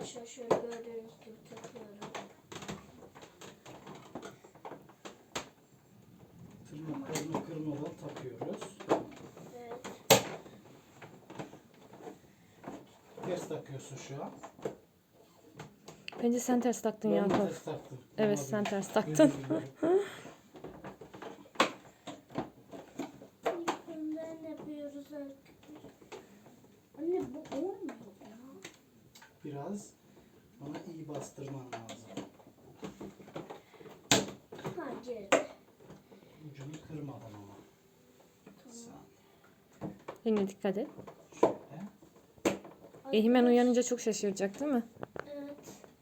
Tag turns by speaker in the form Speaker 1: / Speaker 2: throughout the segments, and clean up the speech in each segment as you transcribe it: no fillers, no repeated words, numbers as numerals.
Speaker 1: arkadaşlar şöyle gördüğünüz gibi takıyorum.
Speaker 2: Tırnaklarını kırmadan takıyoruz.
Speaker 1: Evet.
Speaker 2: Ters takıyorsun şu an.
Speaker 3: Bence sen ters taktın
Speaker 2: Ben
Speaker 3: Yakup.
Speaker 2: ters taktım.
Speaker 3: Evet,
Speaker 2: Olabilir.
Speaker 3: sen ters taktın.
Speaker 2: Özür dilerim.
Speaker 1: Bundan yapıyoruz arkadaşlar. Anne bu olmuyor ya.
Speaker 2: Biraz ona iyi bastırman lazım.
Speaker 1: Hayır.
Speaker 2: Ucunu kırmadan ama. Sen
Speaker 3: Yine dikkat et.
Speaker 2: şöyle.
Speaker 3: Ehimen uyanınca çok şaşıracak değil mi?
Speaker 1: Evet.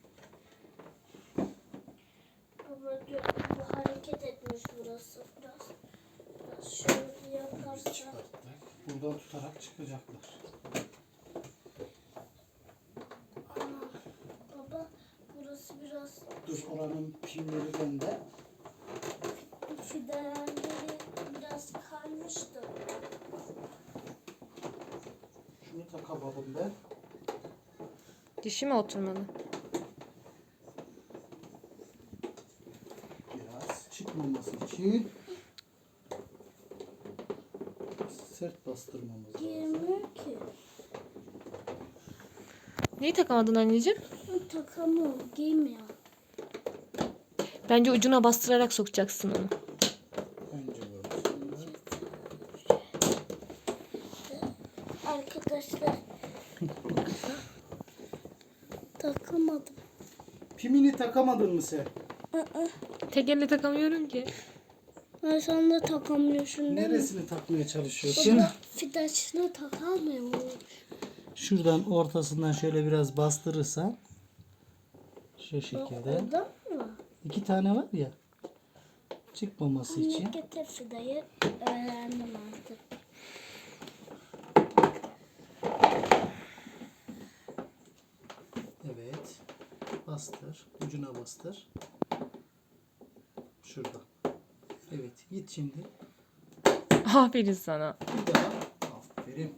Speaker 1: Ama bu hareket etmiş burası biraz. Biraz şöyle yaparsak.
Speaker 2: Çıkarttık. Buradan tutarak çıkacaklar.
Speaker 1: Baba burası biraz
Speaker 2: Dur, oranın pimleri bende.
Speaker 1: fidelenleri biraz kaymıştı.
Speaker 2: Şunu takamadım ben.
Speaker 3: Dişi mi oturmalı?
Speaker 2: Biraz çıkmaması için sert bastırmamız lazım.
Speaker 1: Girmiyor ki.
Speaker 3: Neyi takamadın anneciğim?
Speaker 1: Takamıyor, giymiyor.
Speaker 3: Bence ucuna bastırarak sokacaksın onu.
Speaker 2: Önce burası.
Speaker 1: Arkadaşlar takamadım.
Speaker 2: Pimini takamadın mı sen?
Speaker 3: Tek elle takamıyorum ki.
Speaker 1: Ben sen de takamıyorsun değil mi?
Speaker 2: Neresini takmaya çalışıyorsun?
Speaker 1: Baba fidaçını takamıyor.
Speaker 2: Şuradan ortasından şöyle biraz bastırırsan şu
Speaker 1: Bak
Speaker 2: şekilde.
Speaker 1: orada mı?
Speaker 2: 2 tane var ya. Çıkmaması için.
Speaker 1: Getir fidayı. Öğrendim artık.
Speaker 2: Evet. Bastır. Ucuna bastır. Şurada. Evet. Git şimdi.
Speaker 3: Aferin sana.
Speaker 2: Bir daha. Aferin.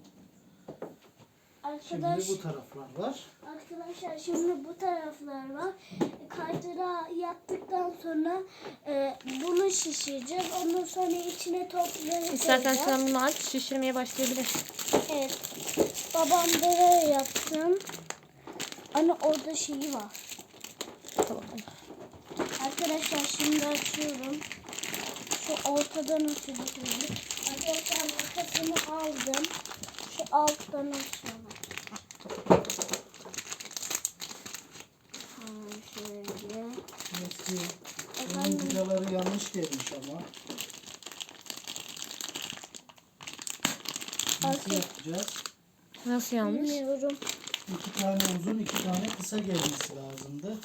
Speaker 2: Şimdi
Speaker 1: Arkadaş,
Speaker 2: bu taraflar var.
Speaker 1: arkadaşlar şimdi bu taraflar var. Kaydıra yaptıktan sonra bunu şişireceğiz. Ondan sonra içine topları
Speaker 3: İstersen
Speaker 1: koyacağız.
Speaker 3: sen bunu aç, şişirmeye başlayabilir.
Speaker 1: Evet. Babam böyle yapsın. Anne orada şeyi var.
Speaker 3: Tamam.
Speaker 1: Arkadaşlar şimdi açıyorum. Şu ortadan açıyorum. Arkadaşlar makasını aldım. Şu alttan açıyorum. Ha, şöyle.
Speaker 2: Eski. Bunun
Speaker 1: Efendim?
Speaker 2: vidaları yanlış gelmiş ama. Nasıl yapacağız?
Speaker 3: Nasıl yanlış?
Speaker 1: Bilmiyorum.
Speaker 2: 2 tane uzun, 2 tane kısa gelmesi lazımdı.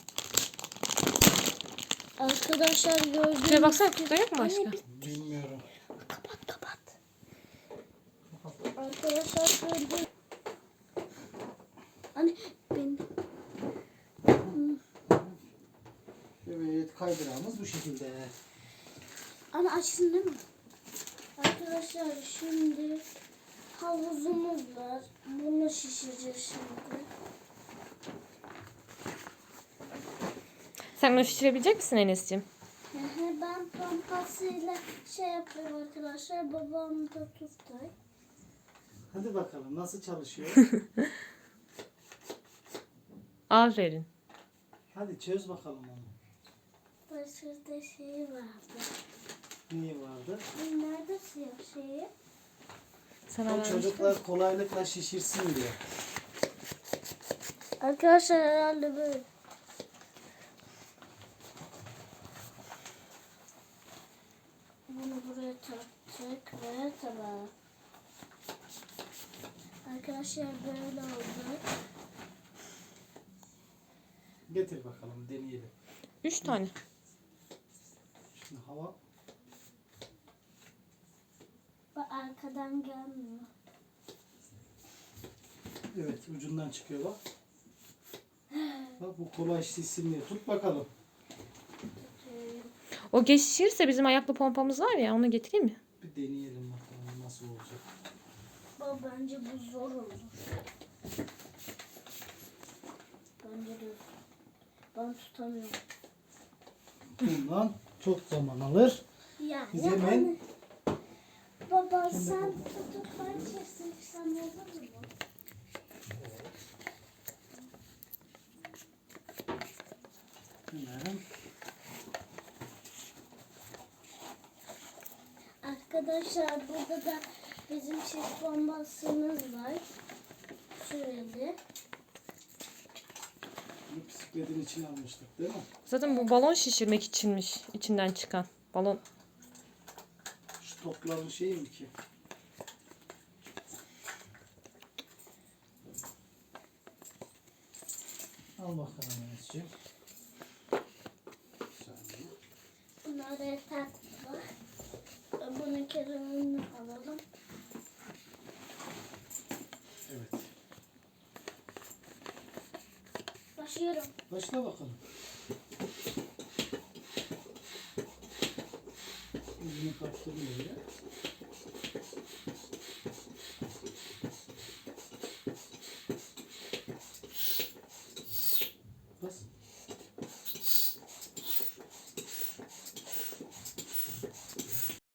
Speaker 1: Arkadaşlar gördüğünüz
Speaker 3: Şuraya baksana, kutuda yok mu
Speaker 1: Anne,
Speaker 3: başka?
Speaker 2: Bilmiyorum.
Speaker 1: Kapat kapat. Arkadaşlar gördüğünüz Anne ben
Speaker 2: Evet, kaydırağımız bu şekilde.
Speaker 1: Anne açsın değil mi? Arkadaşlar şimdi havuzumuz var. Bunu şişireceğiz şimdi.
Speaker 3: Sen bunu şişirebilecek misin Enes'ciğim?
Speaker 1: Ben pompasıyla şey yapıyorum arkadaşlar. Babam da tutay.
Speaker 2: Hadi bakalım nasıl çalışıyor?
Speaker 3: Aferin.
Speaker 2: Hadi çöz bakalım onu.
Speaker 1: Başında şeyi vardı.
Speaker 2: Neyi vardı?
Speaker 1: Nerede siyah şeyi?
Speaker 3: Sana
Speaker 2: O
Speaker 3: vermiştim.
Speaker 2: çocuklar kolaylıkla şişirsin diye.
Speaker 1: Arkadaşlar herhalde böyle. Bunu buraya taktık ve tamam. Arkadaşlar böyle oldu.
Speaker 2: Getir bakalım deneyelim.
Speaker 3: 3 tane.
Speaker 2: Şimdi hava
Speaker 1: Bak arkadan gelmiyor.
Speaker 2: evet ucundan çıkıyor bak. Bak bu kolay şişsin diye. Tut bakalım.
Speaker 3: O geç şişirirse bizim ayaklı pompamız var ya, onu getireyim mi?
Speaker 2: Bir deneyelim bakalım nasıl olacak.
Speaker 1: Bak bence bu zor olur. Bence Ben tutamıyorum.
Speaker 2: Bundan çok zaman alır.
Speaker 1: Yani
Speaker 2: Biz hemen-
Speaker 1: Baba sen tutup ben çeksen olur mu?
Speaker 2: Hemen.
Speaker 1: Arkadaşlar burada da bizim çift bombasımız var. Süreli.
Speaker 2: Bunu bisikletin içine almıştık değil mi?
Speaker 3: Zaten bu balon şişirmek içinmiş. İçinden çıkan. Balon.
Speaker 2: Şu topların şeyi mi ki? Al bakalım Enes'ciğim. Bir saniye.
Speaker 1: Bunlar yeter. Bunun kenarını alalım.
Speaker 2: Evet.
Speaker 1: Başlıyorum.
Speaker 2: Başla bakalım. Yüzünü kaptırdım öyle.